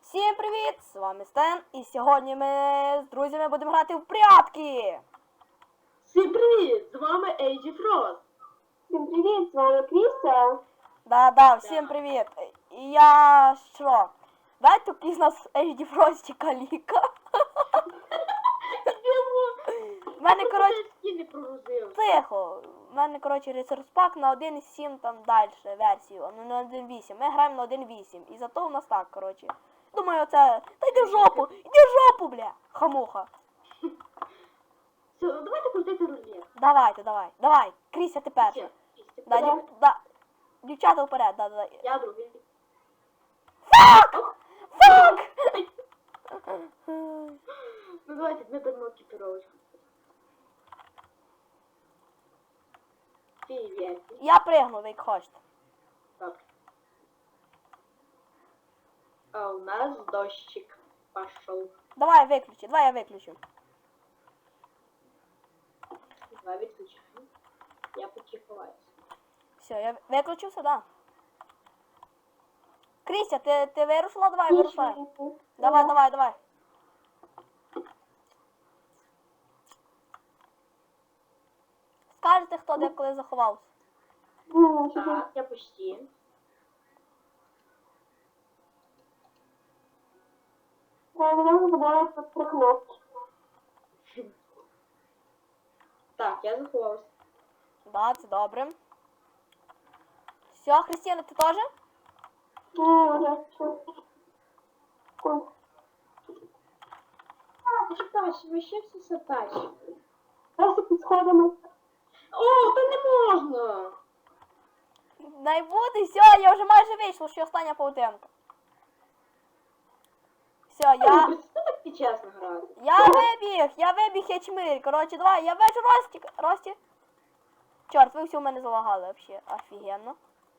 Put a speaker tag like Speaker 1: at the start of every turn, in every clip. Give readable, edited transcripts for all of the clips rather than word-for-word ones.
Speaker 1: Всім привіт! З вами Стен, і сьогодні ми з друзями будемо грати в прятки!
Speaker 2: Всім привіт! З вами Ейджі Фрост.
Speaker 3: Всім привіт, з вами Кріса.
Speaker 1: Да, всім привіт! І я що? Дайте якийсь нас HD Фростіка ліка. В мене, коротше,
Speaker 2: не прогрузив.
Speaker 1: тихо. В мене, коротше, ресурс пак на 1.7 там далі версію, ну на 1.8. Ми граємо на 1.8. І зато у нас так, коротше. Думаю, це... Та йди в жопу! Іди в жопу, бля! Хамуха.
Speaker 2: Все, ну давайте крутити рулет.
Speaker 1: Давай. Кріся, ти перша. Да. Дівчата вперед, да.
Speaker 2: Я другий.
Speaker 1: Фак!
Speaker 2: Ну давайте ми беремо екіпіровочку. Привіт.
Speaker 1: Я пригну, ви як хочете.
Speaker 2: Добре. А у нас дощик пошел.
Speaker 1: Давай я виключу.
Speaker 2: Давай відключаємо. Я поки ховаюся.
Speaker 1: Все, я виключився, да. Кріся, ти вирушила? Давай, вирушай. Давай. Скажете, хто де коли заховався.
Speaker 2: Так, я почти. Так, я заховався.
Speaker 1: Да, це добре. Все, Христина, ти теж?
Speaker 2: Чекай, ви ще всі сатачі.
Speaker 3: Просто під сходами.
Speaker 2: О, та не можна!
Speaker 1: Дай буде, все, я вже майже вийшла, що остання паутинка. Все,
Speaker 2: Це так чесно грати.
Speaker 1: я вибіг, я чмирь. Коротше, давай, я вижу Рості. Чорт, ви всі у мене залагали, вообще, офігенно.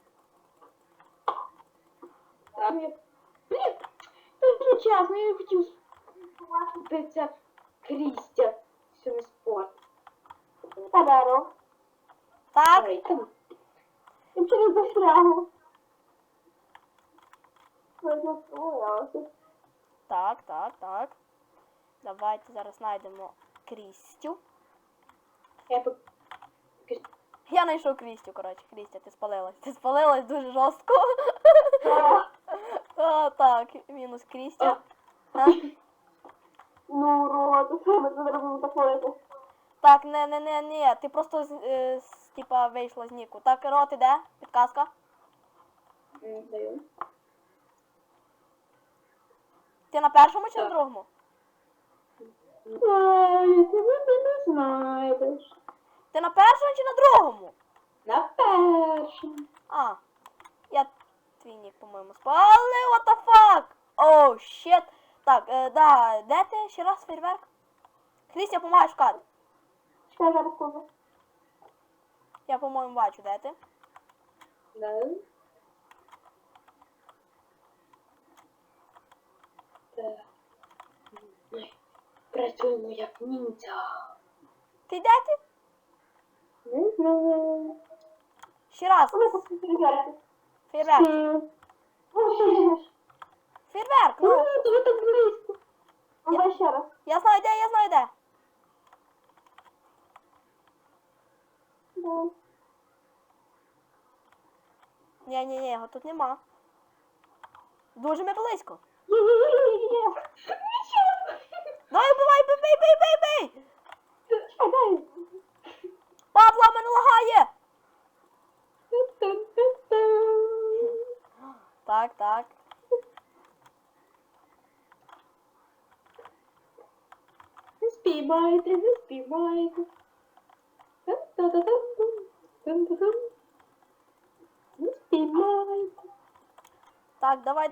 Speaker 2: Так, я... Блін, так не чесно, я хотів спитися Крістя. Все не спорт.
Speaker 3: Тадаро.
Speaker 1: Так,
Speaker 2: Ой, там.
Speaker 3: Я через застрягу.
Speaker 1: так. Давайте зараз знайдемо Крістю.
Speaker 2: Я по...
Speaker 1: Я знайшов Крістю, коротше. Крістя, ти спалилась. Ти спалилась дуже жорстко. О, так, мінус Крістя. А?
Speaker 3: Ну, урод, що ми це зробимо такое?
Speaker 1: Так, не, ти просто, типа, вийшла з ніку. Так, Рот іде, підказка.
Speaker 2: Даю.
Speaker 1: Ти на першому чи на
Speaker 2: Так.
Speaker 1: другому?
Speaker 3: Ай, ти не знаєш.
Speaker 1: Ти на першому чи на другому?
Speaker 2: На першому.
Speaker 1: А, я твій нік, по-моєму, спалив, what the fuck? Оу, щет. Так, да, де ти? Ще раз фейерверк? Крістя, помагай шукати.
Speaker 3: Що зараз скажу?
Speaker 1: Я, по-моєму, бачу, де ти.
Speaker 2: Да. Так. Ой, працюємо як ніндзя.
Speaker 1: Ти де ти?
Speaker 2: Не знаю.
Speaker 1: Ще раз.
Speaker 3: Вони просто перевіряти.
Speaker 1: Фейерверк.
Speaker 3: Ну, що ж?
Speaker 1: Фейерверк, ну.
Speaker 2: То ви так близько.
Speaker 3: Давай ще раз.
Speaker 1: Я знаю де.
Speaker 3: Да.
Speaker 1: Ні, його тут нема. Дуже ми близько.
Speaker 3: Є-є-є-є-є.
Speaker 1: Давай, бий!
Speaker 3: Чекай, дай.
Speaker 1: Павла, мене лагає! Так.
Speaker 2: Не спіймайте. Не спіймайте.
Speaker 1: Так, давай.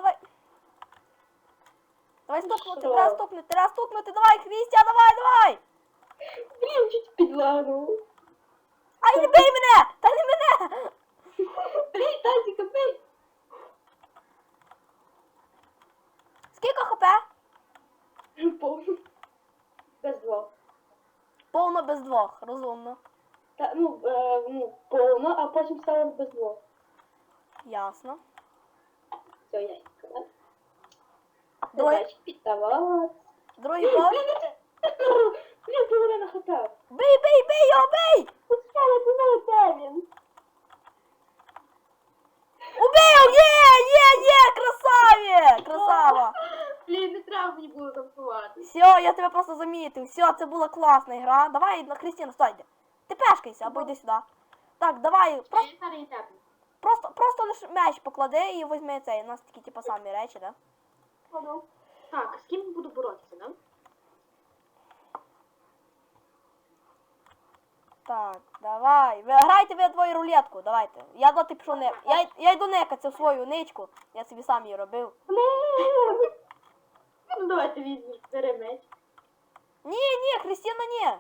Speaker 1: Давай стукнути,
Speaker 2: Що?
Speaker 1: треба стукнути, давай, Крістя, давай!
Speaker 2: Блін, чуть підлагнув.
Speaker 1: Ай, не бий мене! Та не мене!
Speaker 2: Блін, Тазіка, бий.
Speaker 1: Скільки хп?
Speaker 2: Повно. Без двох.
Speaker 1: Повно без двох, розумно.
Speaker 2: Та, повно, а потім стало без двох.
Speaker 1: Ясно.
Speaker 2: Все, ясненько, так? Задачі піддавати.
Speaker 1: Другий поверх.
Speaker 2: Блін, половина хп.
Speaker 1: Бий його, бий!
Speaker 3: Пускай, не знаю, де він.
Speaker 1: Убив! Є! Красава!
Speaker 2: Блін, не треба мені було танцювати.
Speaker 1: Все, я тебе просто замітив. Все, це була класна гра. Давай, Крістіна, стой. Ти пешкайся або йди сюди. Так, давай, просто лише меч поклади і візьми цей. У нас такі типу самі речі, да?
Speaker 3: Кладу.
Speaker 2: Так, з ким буду боротися, да?
Speaker 1: Так, давай. Ви грайте ви двоє рулетку, давайте. Я доти пішов не. Я йду некатися в свою ничку. Я собі сам її робив.
Speaker 3: Блін.
Speaker 2: Ну давайте візьмеш, бери меч.
Speaker 1: Ні, Христина, ні.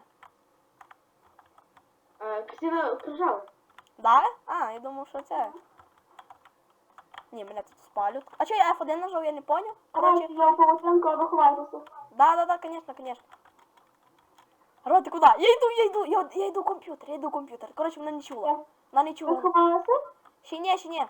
Speaker 2: Кристина кружала.
Speaker 1: Да? А, я думав, що це. Ні, мене тут спалють. А чого я F1 нажав, я не поняв. Короче.
Speaker 3: Короче, я полотенко обохватився.
Speaker 1: Да, конечно. Ро, ти куди? Я йду в комп'ютер. Короче, вона не чула. Вона не
Speaker 3: Ви
Speaker 1: чула.
Speaker 3: сховалися?
Speaker 1: Ще ні.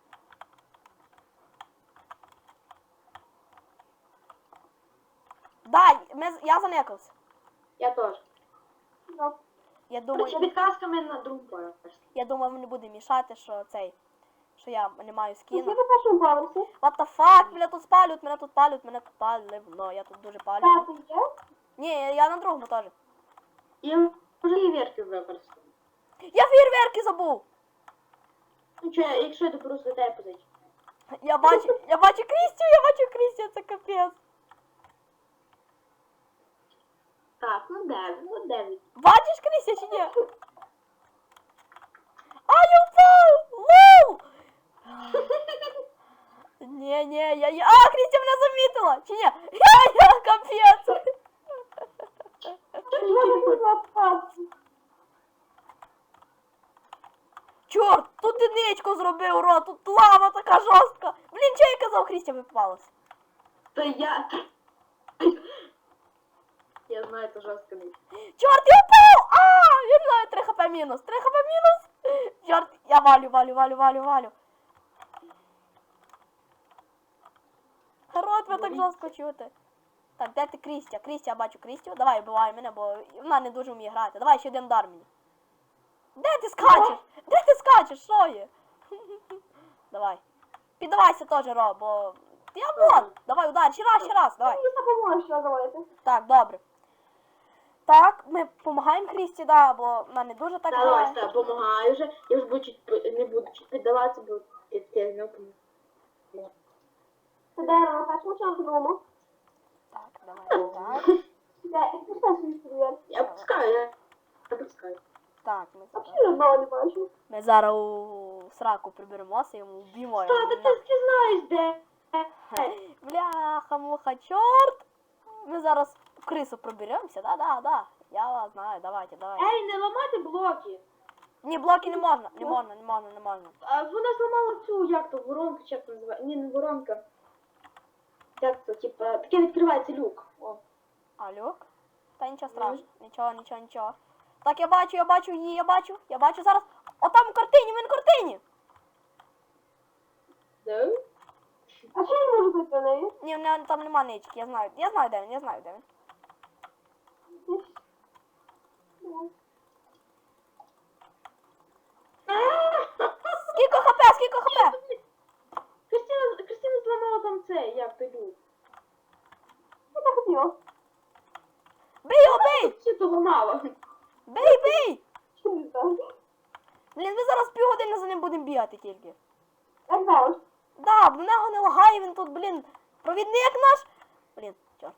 Speaker 1: Да, я занекався.
Speaker 2: Я теж.
Speaker 3: Ну,
Speaker 1: Я думаю,
Speaker 2: Короче, підказками на другу поверсі.
Speaker 1: мені буде мішати, що що я не маю
Speaker 3: ти
Speaker 1: скіну.
Speaker 3: на першому поверсі?
Speaker 1: What the fuck? Мене тут палють. Ну, я тут дуже палю.
Speaker 3: П'ятий є?
Speaker 1: Ні, я на другому теж.
Speaker 2: Я вже і вірки використав.
Speaker 1: Я фейерверки забув.
Speaker 2: Ну що, якщо я доберусь до тебе позичу.
Speaker 1: Я бачу Крістю, це капець.
Speaker 2: Так, ну 9.
Speaker 1: Бачиш Крістя чи ні? А, я впав! Лоу! Ні, А, Крістя мене замітила! Чи ні? Я капець! Чорт, тут ти ничку зробив, Ро, тут лава така жорстка. Блін, що я казав, Крістя випалась?
Speaker 2: Та я... Я знаю, це жорстко не.
Speaker 1: Чорт, я впав! А, я не знаю, 3 хп мінус. Чорт, я валю. Рот, ви так жорстко чути. Так, де ти Крістя? Крістя, я бачу Крістю. Давай, вбивай мене, бо вона не дуже вміє грати. Давай, ще один удар мені. Де ти скачеш? Що є? Давай. Піддавайся теж, Ро, бо... Я вон! Давай, удар, ще раз, давай.
Speaker 3: Мені допоможеш називаєте.
Speaker 1: Так, добре. Так, ми допомагаємо Крісті, да, бо вона не дуже так
Speaker 2: Давай,
Speaker 1: грає.
Speaker 2: все, помагаю вже. Я вже не буду чуть піддаватися, бо ти не допомогу.
Speaker 3: Це дерево на першому чи на другому?
Speaker 1: Так, давай, так.
Speaker 3: Де? Ти що собі привіт?
Speaker 2: Я пускаю.
Speaker 1: Так,
Speaker 3: Взагалі одного не бачу.
Speaker 1: ми зараз у сраку приберемося і йому вб'ємо.
Speaker 2: Та ти знаєш, де?
Speaker 1: Бляха-муха, чорт! Ми зараз в крису проберемося, да. Я вас знаю, давайте.
Speaker 2: Ей, не ламати блоки.
Speaker 1: Ні, блоки не можна.
Speaker 2: А вона зламала цю, як то, воронку, чи як то називає? Ні, не воронка. Як то, типа, таке відкривається люк. О.
Speaker 1: А, люк? Та нічого страшного. Нічого. Так, я бачу її, я бачу зараз. Отам в картині, він в картині.
Speaker 2: Да?
Speaker 3: А що я можу бути на неї?
Speaker 1: Ні, в неї там нема нички, я знаю де він. Скільки хп?
Speaker 2: Кристина зламала там це, як то люк.
Speaker 3: Я так хотіла.
Speaker 1: Бий його, бий!
Speaker 2: Всі того мало.
Speaker 1: Бий!
Speaker 3: Чи не знаю?
Speaker 1: Блін, ми зараз півгодини за ним будемо бігати тільки.
Speaker 3: Як завжди.
Speaker 1: Да, в нього не лагає, він тут, блін, провідник наш. Блін, чорт.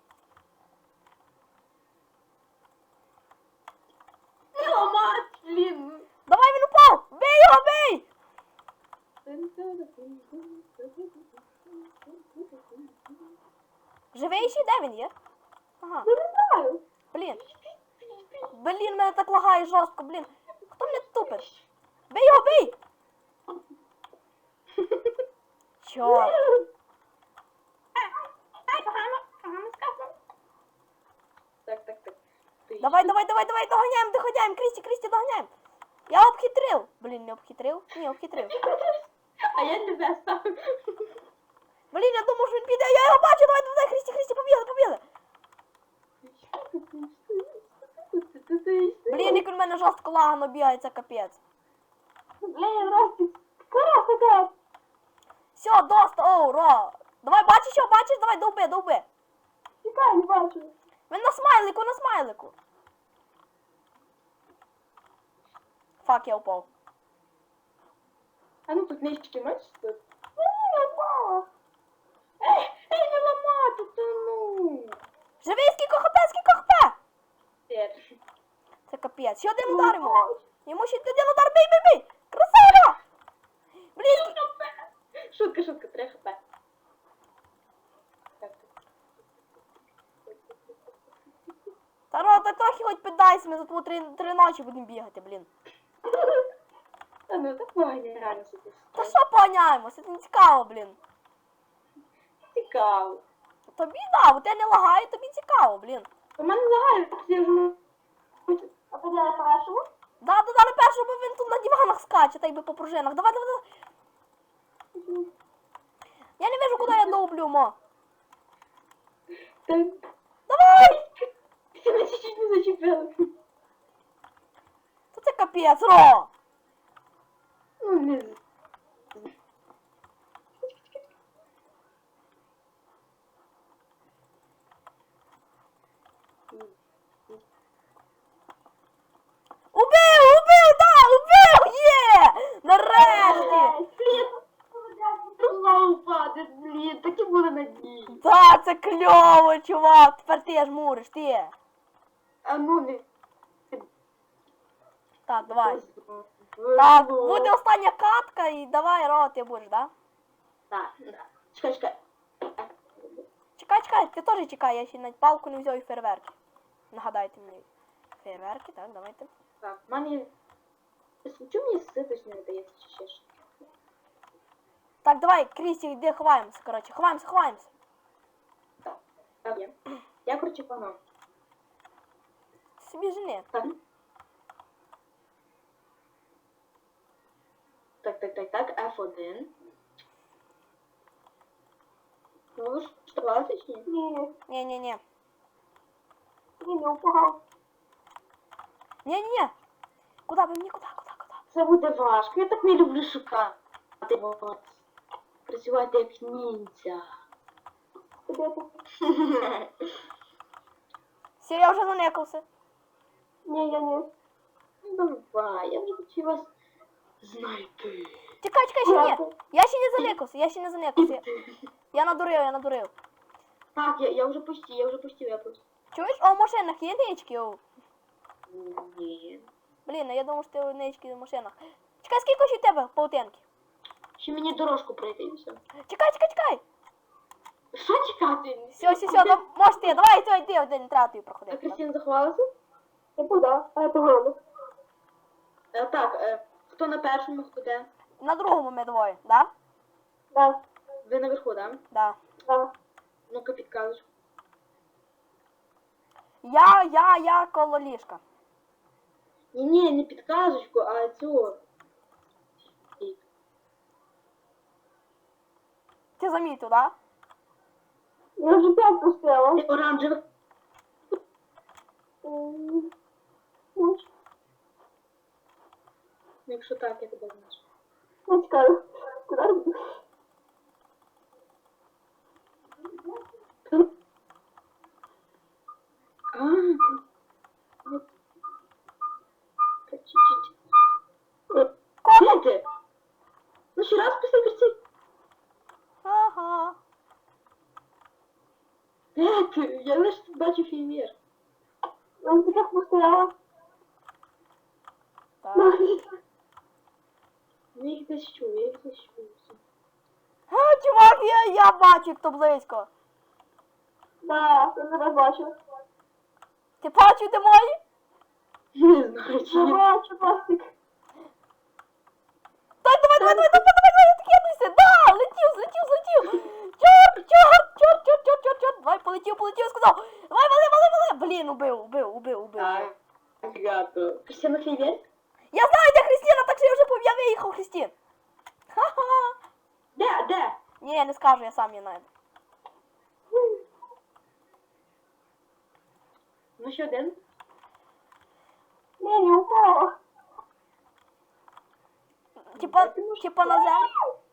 Speaker 2: Не ламати, блін.
Speaker 1: Давай, він упав! Бий його, бий! Живий ще? Де він є? Ага,
Speaker 3: Я не знаю.
Speaker 1: блін. Блін, мене так лагає жорстко, блін. Хто мене тупить? Бий його, бий! Чорт.
Speaker 2: Так.
Speaker 1: Давай, доганяємо, Крісті, доганяємо. Я обхитрив. Блін, не обхитрив? Ні, обхитрив.
Speaker 2: А я тебе став.
Speaker 1: Блін, я думав, що він піде. Я його бачу, давай, давай, Христі, Христі, побігли, побігли. Блін, як він в мене жорстко лагано бігає, це капець.
Speaker 3: Блін, Ростик, скоро сюди.
Speaker 1: Все, доста, оу, ро. Давай, бачиш що, бачиш, давай, довби, довби.
Speaker 3: Чекай, не бачу.
Speaker 1: Він на смайлику, на смайлику. Фак, я упав.
Speaker 2: А ну тут нички, бачиш тут?
Speaker 3: Ні, не впала.
Speaker 2: Ей, не ламати, та ну.
Speaker 1: Живий, скільки хп?
Speaker 2: Тер.
Speaker 1: Це капець. Ще один удар йому. Йому ще один удар, бий, бий, бий. Красава! Блін,
Speaker 2: Шутка, 3 хп.
Speaker 1: Таро, так трохи хоч піддайся, ми за тобою три ночі будемо бігати, блін.
Speaker 2: Та ну, так погано реально собі.
Speaker 1: Та що поганяємося, це не цікаво, блін.
Speaker 2: Цікаво.
Speaker 1: Тобі, да, у тебе не лагає, тобі цікаво, блін.
Speaker 2: У мене лагає, я вже...
Speaker 3: А ти де на першому?
Speaker 1: Да, на першому він тут на диванах скаче, так би по пружинах. Давай, давай, давай. Я не вижу, куди я довблю, мо.
Speaker 2: Так,
Speaker 1: Давай!
Speaker 2: мене чуть-чуть не зачепили.
Speaker 1: Та це капець, Ро!
Speaker 2: Ну, не з...
Speaker 1: Убив, є! Нарешті!
Speaker 3: Блін,
Speaker 2: Знову впаде, блін, такі були надії.
Speaker 1: Да, це кльово, чувак, тепер ти жмуриш, ти.
Speaker 2: А ну не...
Speaker 1: Так, давай. Так, буде остання катка і давай, Ро, ти будеш, да?
Speaker 2: Так, да. Чекай.
Speaker 1: Чекай, ти теж чекай, я ще навіть палку не взяв і фейерверки. Нагадайте мені. Фейерверки, так, давайте.
Speaker 2: Так, в мене є... Чому мені ситость не видається чи ще щось?
Speaker 1: Так, давай, Крісті, йди, ховаємося, коротше, ховаємося.
Speaker 2: Так, є. Я, коротше, погнав.
Speaker 1: Собі жени.
Speaker 2: Так. Так, F1. Ну, ви що, класиш, ні?
Speaker 3: ні,
Speaker 1: Ні.
Speaker 3: ні, не впав.
Speaker 1: Ні. Куда ви мені, куда?
Speaker 2: Це буде важко, я так не люблю шукати. От. Працювати як ніндзя.
Speaker 3: Де ти?
Speaker 1: Все, я вже занекався.
Speaker 3: Ні, я ні.
Speaker 2: Ну давай, я вже хочу вас знайти.
Speaker 1: Чекай, ще ні. Я ще не занекався. Я надурив.
Speaker 2: Так, я вже почти.
Speaker 1: Чуєш? О, в машинах є нички, о.
Speaker 2: Ні.
Speaker 1: Блін, я думав, що ти нички в машинах. Чекай, скільки ще в тебе паутинки?
Speaker 2: Ще мені дорожку пройти і все.
Speaker 1: Чекай.
Speaker 2: Що чекати?
Speaker 1: Все, да, можеш ти, давай, йди, один треба тобі
Speaker 2: А
Speaker 1: проходити.
Speaker 2: Кристина заховалася?
Speaker 3: Я куди? А я погано.
Speaker 2: Так, хто на першому, хто де?
Speaker 1: На другому ми двоє, да?
Speaker 3: Да,
Speaker 2: Ви наверху, да?
Speaker 1: Да.
Speaker 3: да.
Speaker 2: Ну-ка підказочку.
Speaker 1: Я коло ліжка.
Speaker 2: Ні, не підказочку, а цю.
Speaker 1: Ти замітив, да?
Speaker 3: Я вже 5 пустила.
Speaker 2: Ти оранжевих.
Speaker 3: Ну,
Speaker 2: Якщо так, я тебе знаєш.
Speaker 3: я чекаю. Куди?
Speaker 2: Чуть-чуть. Де ти? Ну ще раз після Кристини.
Speaker 1: Ага.
Speaker 2: Де ти? Я лише бачу фейвер.
Speaker 3: Я вже так пустила.
Speaker 1: Так.
Speaker 2: Я їх десь чую.
Speaker 1: А, чувак, я бачу, як то близько.
Speaker 3: Да, я зараз бачу.
Speaker 1: Ти бачив, де мої?
Speaker 2: Не знаю, чи
Speaker 3: Я
Speaker 2: ні.
Speaker 3: бачу, пластик.
Speaker 1: Так, давай, відкидуйся. Да, злетів. Чорт. Давай, полетів, сказав. Давай, вали. Блін, убив.
Speaker 2: Так, гато. Кристина фейвер?
Speaker 1: Я знаю, де Христина, так що я вже виїхав, Христин. Ха-ха.
Speaker 2: Де?
Speaker 1: Ні, я не скажу, я сам її знайду.
Speaker 2: Ну ще один.
Speaker 3: Не упала.
Speaker 1: Типа на землю.